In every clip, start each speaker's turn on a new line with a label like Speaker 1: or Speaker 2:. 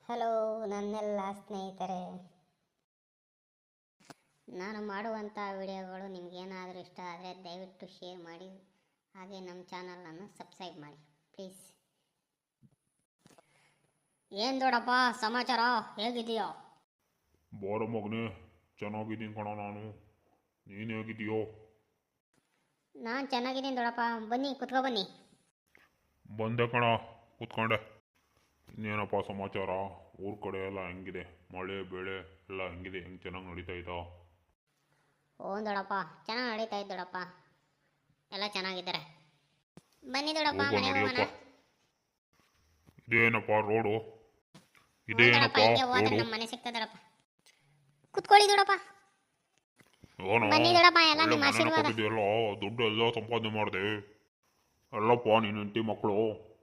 Speaker 1: Hello ನನ್ನೆಲ್ಲ ಸ್ನೇಹಿತರೆ, ನಾನು ಮಾಡುವಂಥ ವಿಡಿಯೋಗಳು ನಿಮಗೇನಾದರೂ ಇಷ್ಟ ಆದರೆ ದಯವಿಟ್ಟು ಶೇರ್ ಮಾಡಿ, ಹಾಗೆ ನಮ್ಮ ಚಾನಲನ್ನು ಸಬ್ಸ್ಕ್ರೈಬ್ ಮಾಡಿ ಪ್ಲೀಸ್. ಏನು ದೊಡ್ಡಪ್ಪ ಸಮಾಚಾರ, ಹೇಗಿದೆಯೋ?
Speaker 2: ಬಾರ ಮಗನೇ, ಚೆನ್ನಾಗಿದ್ದೀನಿ ಕಣ ನಾನು. ನೀನು ಹೇಗಿದೆಯೋ?
Speaker 1: ನಾನು ಚೆನ್ನಾಗಿದ್ದೀನಿ ದೊಡ್ಡಪ್ಪ, ಬನ್ನಿ ಕುತ್ಕೊ ಬನ್ನಿ.
Speaker 2: ಬಂದೆ ಕಣ, ಕೂತ್ಕೊಂಡೆ. ಇನ್ನೇನಪ್ಪ ಸಮಾಚಾರ? ಊರ ಕಡೆ ಎಲ್ಲ ಹೆಂಗಿದೆ? ಮಳೆ ಬೆಳೆ ಎಲ್ಲ ಹೆಂಗಿದೆ? ಹೆಂಗೆ ಚೆನ್ನಾಗಿ ನಡೀತಾ ಇದ್ದಾ?
Speaker 1: ಓ ದೊಡ್ಡಪ್ಪ, ಚೆನ್ನಾಗಿ ನಡೀತಾ ಇದ್ದು ದೊಡ್ಡಪ್ಪ, ಎಲ್ಲ ಚೆನ್ನಾಗಿದ್ದಾರೆ. ಬನ್ನಿ ದೊಡ್ಡಪ್ಪ,
Speaker 2: ಹೋಗೋ
Speaker 1: ಮನೆಗೆ ಹೋಗೋಣ.
Speaker 2: ನಡಿಯಪ್ಪ. ಇದೇನಪ್ಪ ರೋಡು?
Speaker 1: ದೊಡ್ಡಪ್ಪ
Speaker 2: ಇದೇನಪ್ಪ
Speaker 1: ಹಿಂಗೆ ಹೋದ್ರೆ
Speaker 2: ರೋಡು?
Speaker 1: ನಮ್ಮ ಮನೆ ಸಿಗ್ತದೆ ದೊಡ್ಡಪ್ಪ. ಕುತ್ಕೊಳ್ಳಿ ದೊಡ್ಡಪ್ಪ.
Speaker 2: ಏನೋ
Speaker 1: ಬನ್ನಿ ದೊಡ್ಡಪ್ಪ, ಎಲ್ಲ
Speaker 2: ಒಳ್ಳೆ
Speaker 1: ನಿಮ್ಮ
Speaker 2: ಮನೆನ
Speaker 1: ಆಶೀರ್ವಾದ.
Speaker 2: ಕೊಟ್ಟಿದೆಯಲ್ಲ, ದುಡ್ಡು ಎಲ್ಲ ಸಂಪಾದನೆ ಮಾಡಿದೆ. ಎಲ್ಲಪ್ಪ ನೀನು ಹೆಂಡತಿ ಮಕ್ಕಳು?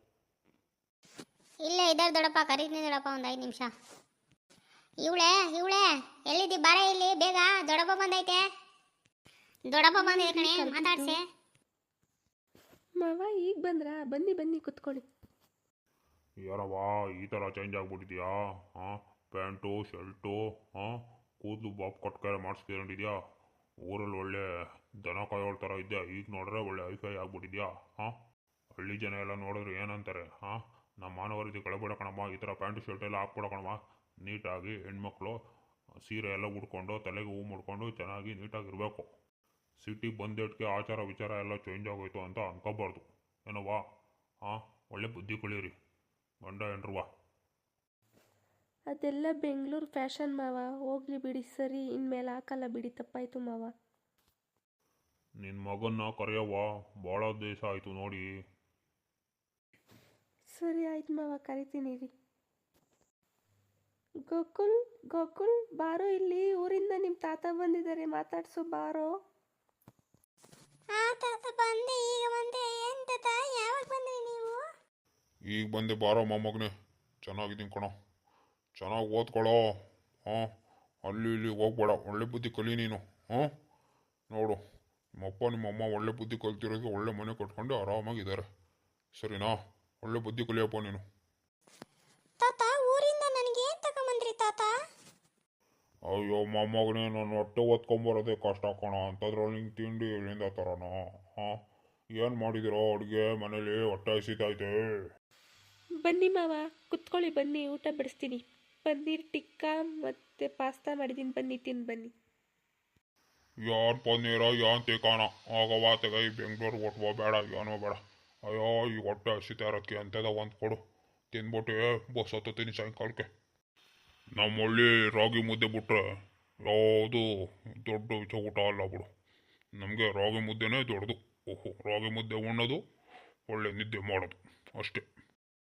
Speaker 1: ಇಲ್ಲೇ ಇದ್ದಾರೆ ದೊಡ್ಡಪ್ಪ, ಕರೀತೀನಿ ದೊಡ್ಡಪ್ಪ, ಒಂದು 5 ನಿಮಿಷ. ಇವಳೆ ಎಲ್ಲಿದ್ದಿ? ಬಾರ ಇಲ್ಲಿ ಬೇಗ, ದೊಡ್ಡಪ್ಪ ಬಂದೈತೆ. ದೊಡ್ಡಪ್ಪ ಬಂದಿದೆ ಕಣೆ, ಮಾತಾಡ್ಸೆ.
Speaker 3: ಮಾವ ಈಗ ಬಂದ್ರಾ? ಬನ್ನಿ ಬನ್ನಿ ಕುತ್ಕೊಳ್ಳಿ.
Speaker 2: ಏನವ್ವ ಈ ಥರ ಚೇಂಜ್ ಆಗ್ಬಿಟ್ಟಿದ್ಯಾ? ಹಾಂ, ಪ್ಯಾಂಟು ಶರ್ಟು, ಹಾಂ, ಕೂದಲು ಬಾಬ್ ಕಟ್ಕೆರೆ ಮಾಡಿಸ್ಕೊಂಡಿದ್ಯಾ? ಊರಲ್ಲಿ ಒಳ್ಳೆ ದನ ಕಾಯೋಳ ಥರ ಇದ್ದೆ, ಈಗ ನೋಡಿದ್ರೆ ಒಳ್ಳೆ ಐಫೈ ಆಗ್ಬಿಟ್ಟಿದ್ಯಾ? ಹಾಂ, ಹಳ್ಳಿ ಜನ ಎಲ್ಲ ನೋಡಿದ್ರೆ ಏನಂತಾರೆ? ಹಾಂ, ನಮ್ಮ ಮಾನವರಿತಿ ಕಳೆಬೇಡ ಕಣಮ್ಮ, ಈ ಥರ ಪ್ಯಾಂಟು ಶರ್ಟ್ ಎಲ್ಲ ಹಾಕ್ಬೇಡ ಕಣಮ್ಮ. ನೀಟಾಗಿ ಹೆಣ್ಮಕ್ಳು ಸೀರೆ ಎಲ್ಲ ಉಟ್ಕೊಂಡು ತಲೆಗೆ ಹೂ ಮುಡ್ಕೊಂಡು ಚೆನ್ನಾಗಿ ನೀಟಾಗಿರಬೇಕು. ಸಿಟಿಗೆ ಬಂದೇಟ್ಗೆ ಆಚಾರ ವಿಚಾರ ಎಲ್ಲ ಚೇಂಜ್ ಆಗೋಯ್ತು ಅಂತ ಅನ್ಕೋಬಾರ್ದು. ಏನವ್ವ? ಹಾಂ, ಒಳ್ಳೆ ಬುದ್ಧಿ ಕಳೀರಿ ಗಂಡ ಹೆಂಡ್ರವ್ವ.
Speaker 3: ಅದೆಲ್ಲ ಬೆಂಗಳೂರು ಫ್ಯಾಷನ್ ಮಾವ, ಹೋಗ್ಲಿ ಬಿಡಿ. ಸರಿ, ಇನ್ಮೇಲೆ ಹಾಕಲ್ಲ ಬಿಡಿ, ತಪ್ಪಾಯ್ತು ಮಾವ.
Speaker 2: ನಿನ್ನ ಮಗನ್ನ ಕರೆಯವ್ವ, ಭಾಳ ದಿವಸ ಆಯಿತು ನೋಡಿ.
Speaker 3: ಸರಿ ಆಯ್ತು ಮಾವ, ಕರಿತೀನಿ ರೀ. ಗೋಕುಲ್ ಬಾರೋ ಇಲ್ಲಿ, ಊರಿಂದ ನಿಮ್ಮ ತಾತ ಬಂದಿದ್ದಾರೆ, ಮಾತಾಡ್ಸು ಬಾರೋ.
Speaker 1: ತಾತ ಬಂದೆ, ಈಗ ಬಂದೆ. ಏನು ತಾತ, ಯಾವಾಗ ಬಂದ್ರಿ ನೀವು?
Speaker 2: ಈಗ ಬಂದೆ ಬಾರೋ ಮೊಮ್ಮಗನೇ, ಚೆನ್ನಾಗಿದ್ದೀನಿ ಕಣೋ, ಚೆನ್ನಾಗಿ ಓದ್ಕೊಳ್ಳೋ. ಹಾಂ, ಅಲ್ಲಿ ಇಲ್ಲಿ ಹೋಗ್ಬೇಡ, ಒಳ್ಳೆ ಬುದ್ಧಿ ಕಲಿ ನೀನು. ಹಾಂ, ನೋಡು ನಿಮ್ಮಪ್ಪ ನಿಮ್ಮಮ್ಮ ಒಳ್ಳೆ ಬುದ್ಧಿ ಕಲ್ತಿರೋದು, ಒಳ್ಳೆ ಮನೆ ಕಟ್ಕೊಂಡು ಆರಾಮಾಗಿದ್ದಾರೆ. ಸರಿನಾ? ಒಳ್ಳೆ ಬುದ್ಧಿ ಕಲಿಯಪ್ಪ ನೀನು.
Speaker 1: ತಾತ, ಊರಿಂದ ನನಗೆ ಏನು ತಗೊಂಬಂದ್ರಿ ತಾತ?
Speaker 2: ಅಯ್ಯೋ ಮೊಮ್ಮಗನೇ, ನಾನು ಹೊಟ್ಟೆ ಓದ್ಕೊಂಬರೋದೇ ಕಷ್ಟ ಕಣ, ಅಂಥದ್ರಲ್ಲಿ ನಿಂಗೆ ತಿಂಡಿ ಎಲ್ಲಿಂದ ತರೋಣ? ಹಾಂ, ಏನು ಮಾಡಿದಿರೋ ಅಡುಗೆ ಮನೇಲಿ? ಹೊಟ್ಟೆ ಹಸಿತೈತೆ.
Speaker 3: ಬನ್ನಿ ಮಾವ ಕುತ್ಕೊಳ್ಳಿ, ಬನ್ನಿ ಊಟ ಬಡಿಸ್ತೀನಿ. ಪನ್ನೀರ್ ಟಿಕ್ಕಾ ಮತ್ತು ಪಾಸ್ತಾ ಮಾಡಿದ್ದೀನಿ, ಬನ್ನಿ ತಿಂದು ಬನ್ನಿ.
Speaker 2: ಯಾರು ಪನ್ನೀರ ಯಾನ್ ತಿಕ್ಕಾಣ? ಆಗವ ತೆಗೈ, ಬೆಂಗ್ಳೂರಿಗೆ ಹೊಟ್ಬೋ ಬೇಡ, ಏನೋ ಬೇಡ. ಅಯ್ಯೋ ಈ ಹೊಟ್ಟೆ ಹಸಿತಾ ಇರೋಕ್ಕೆ ಅಂಥದ ಒಂದು ಕೊಡು, ತಿಂದ್ಬಿಟ್ಟು ಬಸ್ ಹತ್ತೀನಿ ಸಾಯಂಕಾಲಕ್ಕೆ. ನಮ್ಮ ಹಳ್ಳಿ ರಾಗಿ ಮುದ್ದೆ ಬಿಟ್ರೆ ಯಾವುದು ದೊಡ್ಡ ಊಟ ಅಲ್ಲ ಬಿಡು. ನಮಗೆ ರಾಗಿ ಮುದ್ದೆನೇ ದೊಡ್ಡದು. ಓಹೋ, ರಾಗಿ ಮುದ್ದೆ ಉಣ್ಣೋದು, ಒಳ್ಳೆ ನಿದ್ದೆ ಮಾಡೋದು, ಅಷ್ಟೇ.